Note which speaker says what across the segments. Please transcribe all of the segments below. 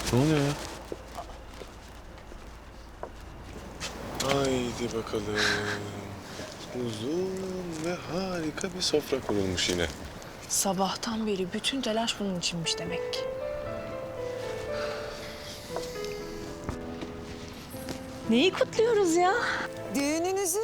Speaker 1: Ne oluyor ya? Haydi bakalım. Uzun ve harika bir sofra kurulmuş yine.
Speaker 2: Sabahtan beri bütün telaş bunun içinmiş demek ki. Neyi kutluyoruz ya?
Speaker 3: Düğününüzü.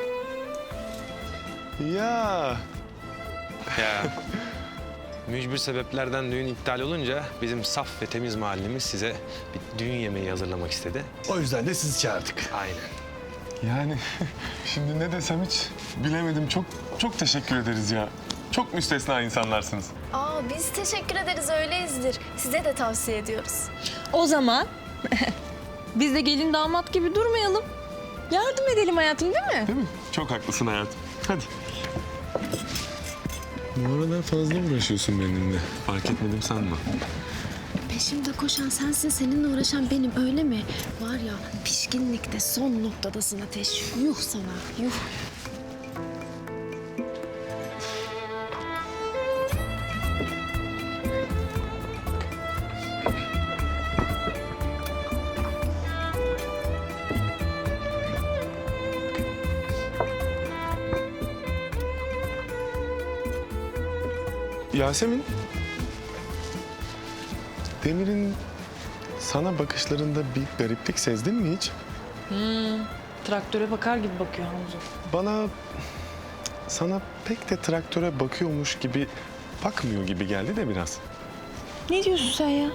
Speaker 1: Ya.
Speaker 4: Ya mücbir sebeplerden düğün iptal olunca bizim saf ve temiz mahallemiz size bir düğün yemeği hazırlamak istedi.
Speaker 5: O yüzden de sizi çağırdık.
Speaker 4: Aynen.
Speaker 1: Yani şimdi ne desem hiç bilemedim. Çok teşekkür ederiz ya. Çok müstesna insanlarsınız.
Speaker 6: Aa, biz teşekkür ederiz, öyleyizdir. Size de tavsiye ediyoruz.
Speaker 2: O zaman biz de gelin damat gibi durmayalım. Yardım edelim hayatım, değil mi?
Speaker 1: Değil mi? Çok haklısın hayatım. Hadi. Bu aralar fazla uğraşıyorsun benimle. Fark etmedim sanma.
Speaker 6: Peşimde koşan sensin, seninle uğraşan benim, öyle mi? Var ya, pişkinlikte son noktadasın Ateş. Yuh sana, yuh.
Speaker 1: Yasemin, Demir'in sana bakışlarında bir gariplik sezdin mi hiç?
Speaker 2: Traktöre bakar gibi bakıyor Hamza.
Speaker 1: Sana pek de traktöre bakıyormuş gibi bakmıyor gibi geldi de biraz.
Speaker 2: Ne diyorsun sen ya?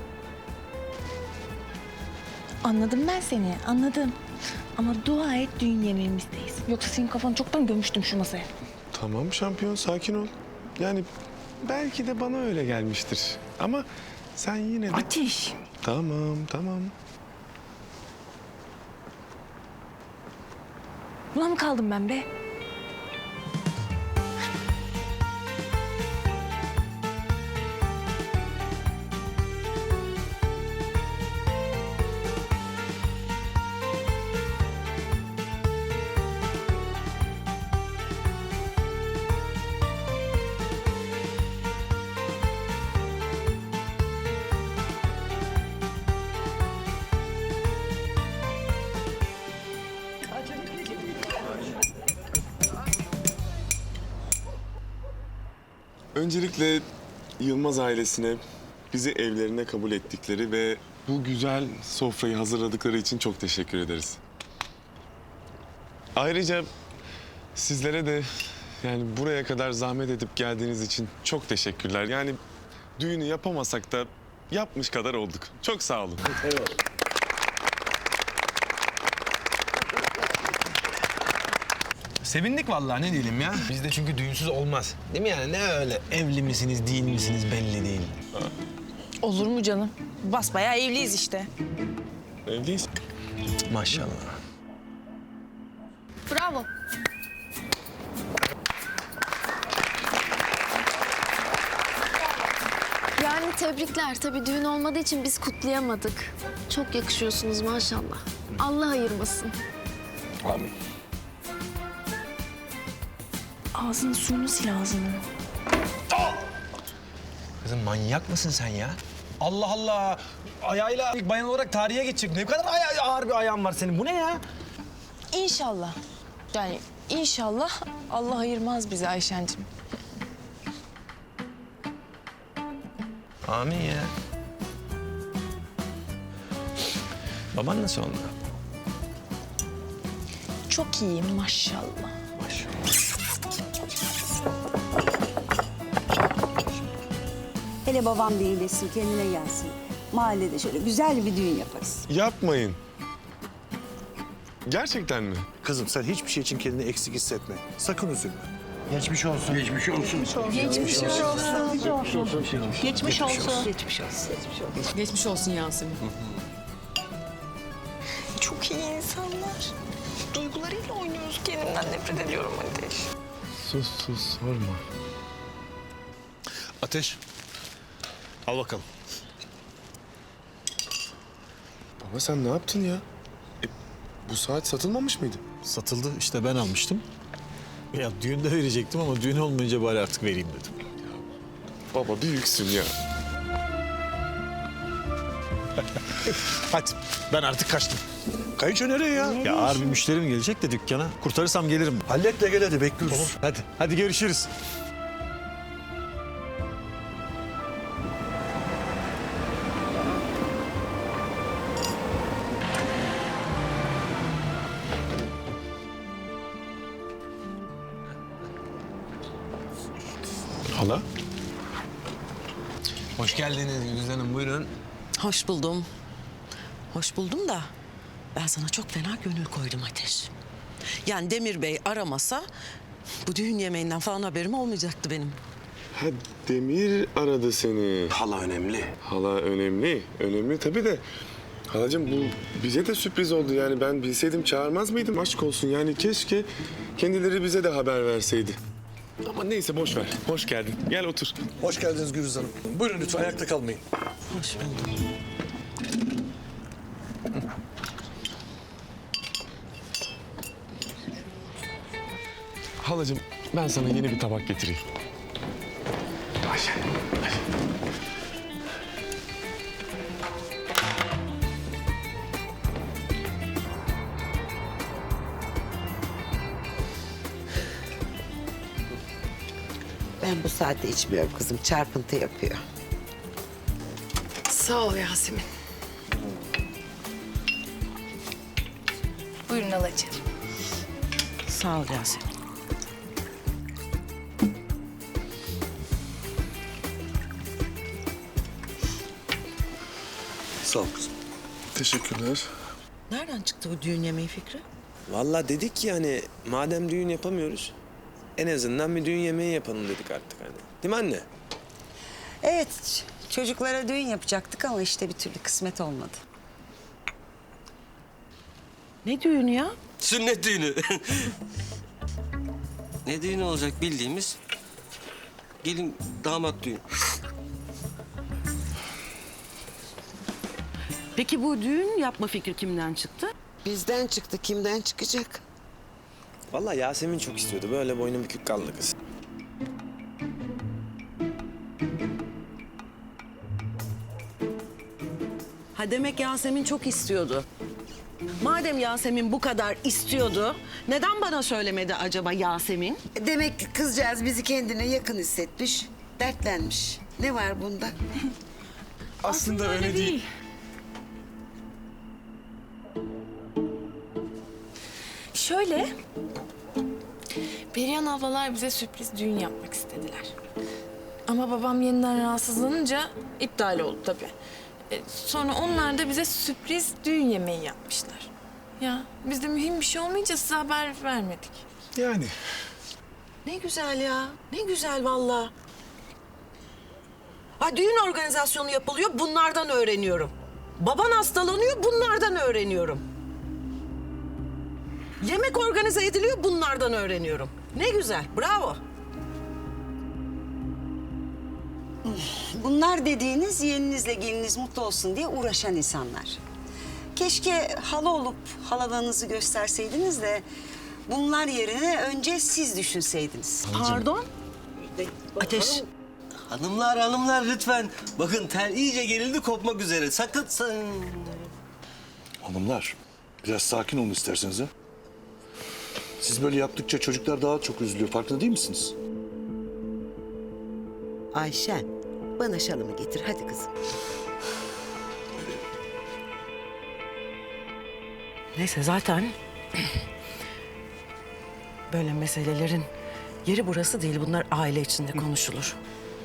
Speaker 2: Anladım ben seni, anladım. Ama dua et düğün yemeğimizdeyiz. Yoksa senin kafanı çoktan gömmüştüm şu masaya.
Speaker 1: Tamam şampiyon, sakin ol. Yani belki de bana öyle gelmiştir. Ama sen yine de...
Speaker 2: Ateş.
Speaker 1: Tamam.
Speaker 2: Buna mı kaldım ben be?
Speaker 1: Öncelikle Yılmaz ailesine bizi evlerine kabul ettikleri ve bu güzel sofrayı hazırladıkları için çok teşekkür ederiz. Ayrıca sizlere de yani buraya kadar zahmet edip geldiğiniz için çok teşekkürler. Yani düğünü yapamasak da yapmış kadar olduk. Çok sağ olun.
Speaker 4: Sevindik vallahi, ne diyelim ya. Bizde çünkü düğünsüz olmaz. Değil mi yani? Ne öyle evli misiniz, değil misiniz belli değil.
Speaker 2: Olur mu canım? Basbayağı evliyiz işte.
Speaker 1: Evliyiz.
Speaker 4: Maşallah.
Speaker 6: Bravo. Yani tebrikler. Tabii düğün olmadığı için biz kutlayamadık. Çok yakışıyorsunuz maşallah. Allah ayırmasın.
Speaker 4: Amin.
Speaker 2: Ağzını suyunu sil ağzını.
Speaker 4: Kızım manyak mısın sen ya? Allah Allah. Ayağıyla ilk bayan olarak tarihe geçecek. Ne kadar ağır bir ayağın var senin. Bu ne ya?
Speaker 2: İnşallah. Yani inşallah Allah ayırmaz bizi Ayşen'cim.
Speaker 4: Amin ya. Baban nasıl oldu?
Speaker 2: Çok iyi maşallah.
Speaker 3: Hele babam bir iyileşsin, kendine gelsin. Mahallede şöyle güzel bir düğün yaparız.
Speaker 1: Yapmayın. Gerçekten mi?
Speaker 5: Kızım sen hiçbir şey için kendini eksik hissetme. Sakın üzülme.
Speaker 7: Geçmiş olsun.
Speaker 2: Geçmiş olsun.
Speaker 8: Geçmiş olsun Yasemin.
Speaker 2: Çok iyi insanlar. Duygularıyla oynuyoruz. Kendimden nefret ediyorum Ateş.
Speaker 1: Sus sorma.
Speaker 5: Ateş. Al bakalım.
Speaker 1: Baba sen ne yaptın ya? Bu saat satılmamış mıydı?
Speaker 5: Satıldı, işte ben almıştım. Ya düğünde verecektim ama düğün olmayınca bari artık vereyim dedim.
Speaker 1: Baba büyüksün ya.
Speaker 5: Hadi ben artık kaçtım.
Speaker 7: Kayınço nereye ya?
Speaker 5: Ya ağır bir müşterim gelecek de dükkana. Kurtarırsam gelirim.
Speaker 7: Hallet de gel hadi bekliyoruz.
Speaker 5: Tamam hadi görüşürüz.
Speaker 1: Hala?
Speaker 4: Hoş geldiniz Güliz Hanım, buyurun.
Speaker 9: Hoş buldum. Hoş buldum da ben sana çok fena gönül koydum Ateş. Yani Demir Bey aramasa bu düğün yemeğinden falan haberim olmayacaktı benim.
Speaker 1: Ha, Demir aradı seni.
Speaker 7: Hala önemli.
Speaker 1: Hala önemli. Önemli tabii de. Halacığım bu bize de sürpriz oldu yani. Ben bilseydim çağırmaz mıydım? Aşk olsun yani keşke kendileri bize de haber verseydi. Ama neyse boş ver. Hoş geldin. Gel otur.
Speaker 7: Hoş geldiniz Gürüz Hanım. Buyurun lütfen ayakta kalmayın.
Speaker 9: Hoş buldum.
Speaker 1: Halacığım ben sana yeni bir tabak getireyim. Ayşe.
Speaker 10: Ben bu saatte içmiyorum kızım. Çarpıntı yapıyor.
Speaker 8: Sağ ol Yasemin.
Speaker 2: Buyurun halacığım.
Speaker 9: Sağ ol Yasemin.
Speaker 7: Sağ ol kızım.
Speaker 1: Teşekkürler.
Speaker 9: Nereden çıktı bu düğün yemeği fikri?
Speaker 4: Vallahi dedik ki hani madem düğün yapamıyoruz, en azından bir düğün yemeği yapalım dedik artık hani. Değil mi anne?
Speaker 3: Evet, çocuklara düğün yapacaktık ama işte bir türlü kısmet olmadı.
Speaker 9: Ne düğünü ya?
Speaker 11: Sünnet düğünü. Ne düğünü olacak bildiğimiz gelin damat düğün.
Speaker 9: Peki bu düğün yapma fikri kimden çıktı?
Speaker 10: Bizden çıktı. Kimden çıkacak?
Speaker 4: Vallahi Yasemin çok istiyordu. Böyle boynu bükük kaldı kız.
Speaker 9: Ha demek Yasemin çok istiyordu. Madem Yasemin bu kadar istiyordu, neden bana söylemedi acaba Yasemin?
Speaker 10: Demek ki kızcağız bizi kendine yakın hissetmiş, dertlenmiş. Ne var bunda?
Speaker 1: Aslında öyle değil.
Speaker 2: Şöyle, Perihan ablalar bize sürpriz düğün yapmak istediler. Ama babam yeniden rahatsızlanınca iptal oldu tabii. Sonra onlar da bize sürpriz düğün yemeği yapmışlar. Ya biz de mühim bir şey olmayınca size haber vermedik.
Speaker 1: Yani.
Speaker 9: Ne güzel ya, ne güzel vallahi. Ha düğün organizasyonu yapılıyor, bunlardan öğreniyorum. Baban hastalanıyor, bunlardan öğreniyorum. Yemek organize ediliyor, bunlardan öğreniyorum. Ne güzel, bravo.
Speaker 3: Bunlar dediğiniz yeğeninizle geliniz mutlu olsun diye uğraşan insanlar. Keşke hala olup halalığınızı gösterseydiniz de bunlar yerine önce siz düşünseydiniz.
Speaker 9: Pardon? Ateş.
Speaker 11: Hanımlar lütfen. Bakın tel iyice gerildi kopmak üzere. Sakın
Speaker 7: Hanımlar biraz sakin olun isterseniz ha. Siz böyle yaptıkça çocuklar daha çok üzülüyor. Farkında değil misiniz?
Speaker 10: Ayşen, bana şalımı getir. Hadi kızım.
Speaker 9: Neyse zaten böyle meselelerin yeri burası değil. Bunlar aile içinde konuşulur.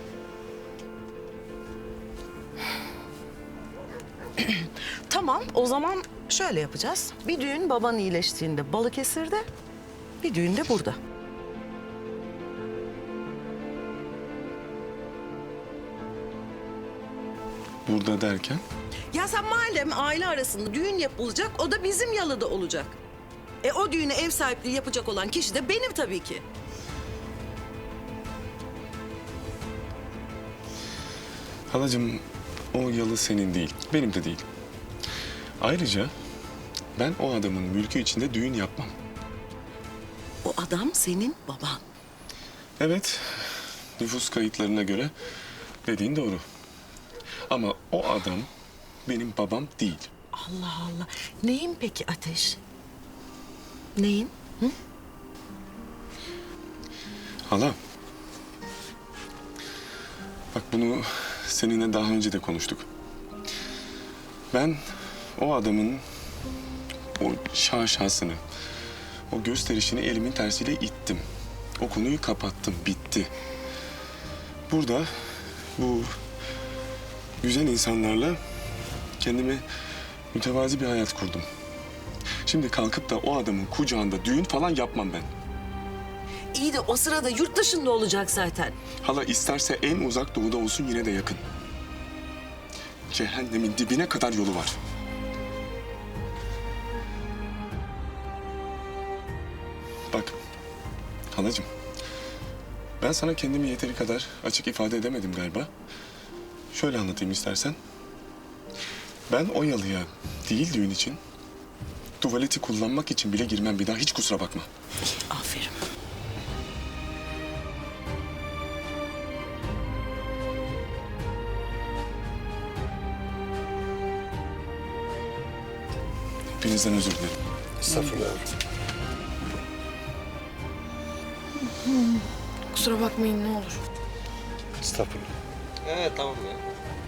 Speaker 9: Tamam, o zaman şöyle yapacağız. Bir düğün baban iyileştiğinde Balıkesir'de, bir düğün de burada.
Speaker 1: Burada derken?
Speaker 9: Ya sen madem aile arasında düğün yapılacak, o da bizim yalıda olacak. O düğüne ev sahipliği yapacak olan kişi de benim tabii ki.
Speaker 1: Halacığım o yalı senin değil. Benim de değil. Ayrıca ben o adamın mülkü içinde düğün yapmam.
Speaker 9: O adam senin baban.
Speaker 1: Evet, nüfus kayıtlarına göre dediğin doğru. Ama o adam benim babam değil.
Speaker 9: Allah Allah. Neyin peki Ateş? Neyin?
Speaker 1: Hala. Bak bunu seninle daha önce de konuştuk. Ben o adamın o şaşasını, o gösterişini elimin tersiyle ittim. O konuyu kapattım, bitti. Burada bu güzel insanlarla kendime mütevazi bir hayat kurdum. Şimdi kalkıp da o adamın kucağında düğün falan yapmam ben.
Speaker 9: İyi de o sırada yurt dışında olacak zaten.
Speaker 1: Hala isterse en uzak doğuda olsun yine de yakın. Cehennemin dibine kadar yolu var. Bak halacığım, ben sana kendimi yeteri kadar açık ifade edemedim galiba. Şöyle anlatayım istersen. Ben o yalıya değil düğün için, tuvaleti kullanmak için bile girmem bir daha, hiç kusura bakma.
Speaker 9: Aferin.
Speaker 1: Hepinizden özür dilerim.
Speaker 7: Estağfurullah.
Speaker 2: Kusura bakmayın ne olur.
Speaker 7: Estağfurullah.
Speaker 11: Evet tamam ya.